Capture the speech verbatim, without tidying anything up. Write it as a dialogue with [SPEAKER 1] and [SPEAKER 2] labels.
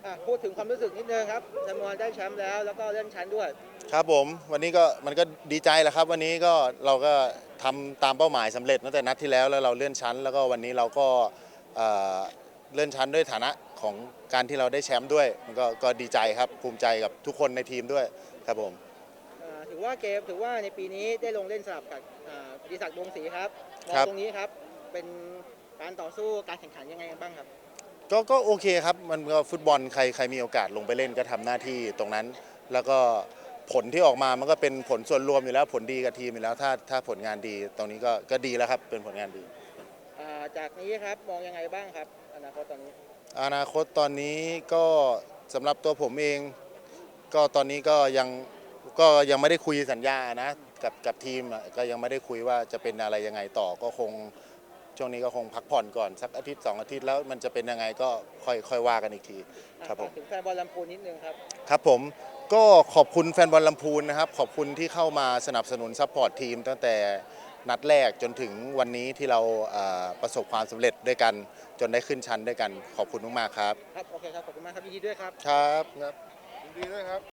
[SPEAKER 1] อ่ะพูดถึงความรู้สึกนิดนึงครับแซมมอนได้แชมป์แล้วแล้วก็เลื่อนชั้นด้วย
[SPEAKER 2] ครับผมวันนี้ก็มันก็ดีใจแหละครับวันนี้ก็เราก็ทำตามเป้าหมายสำเร็จตั้งแต่นัดที่แล้วแล้วเราเลื่อนชั้นแล้วก็วันนี้เราก็เอ่อเลื่อนชั้นด้วยฐานะของการที่เราได้แชมป์ด้วยมันก็ก็ดีใจครับภูมิใจกับทุกคนในทีมด้วยครับผม
[SPEAKER 1] อ่าถือว่าเกมถือว่าในปีนี้ได้ลงเล่นสลับกับอ่าดิศักดิ์วงศ์ศรีครับมอง
[SPEAKER 2] ครับ
[SPEAKER 1] ตรงนี้ครับเป็นการต่อสู้การแข่งขันยังไงกันบ้างครับ
[SPEAKER 2] ก็ก็โอเคครับมันก็ฟุตบอลใครใครมีโอกาสลงไปเล่นก็ทำหน้าที่ตรงนั้นแล้วก็ผลที่ออกมามันก็เป็นผลส่วนรวมอยู่แล้วผลดีกับทีมอยู่แล้วถ้าถ้าผลงานดีตรงนี้ก็ก็ดีแล้วครับเป็นผลงานดี
[SPEAKER 1] อ่าจากนี้ครับมองยังไงบ้างครับอนาคตตอนนี้
[SPEAKER 2] อนาคตตอนนี้ก็สำหรับตัวผมเองก็ตอนนี้ก็ยังก็ยังไม่ได้คุยสัญญานะกับกับทีมอะก็ยังไม่ได้คุยว่าจะเป็นอะไรยังไงต่อก็คงช่วงนี้ก็คงพักผ่อนก่อนสักอาทิตย์สองอาทิตย์แล้วมันจะเป็นยังไงก็ค่อยค่อยว่ากันอีกที
[SPEAKER 1] อ่า
[SPEAKER 2] ครับผม
[SPEAKER 1] ฝากถึงแฟนบอลลำพูนนิดนึงครับ
[SPEAKER 2] ครับผมก็ขอบคุณแฟนบอลลำพูนนะครับขอบคุณที่เข้ามาสนับสนุนซัพพอร์ตทีมตั้งแต่นัดแรกจนถึงวันนี้ที่เราเอ่อประสบความสำเร็จด้วยกันจนได้ขึ้นชั้นด้วยกันขอบคุณมากๆครับ
[SPEAKER 1] ครับโอเคครับขอบคุณมากครับยินดีด้วยครับ
[SPEAKER 2] ครับครับยินดีด้วยครับ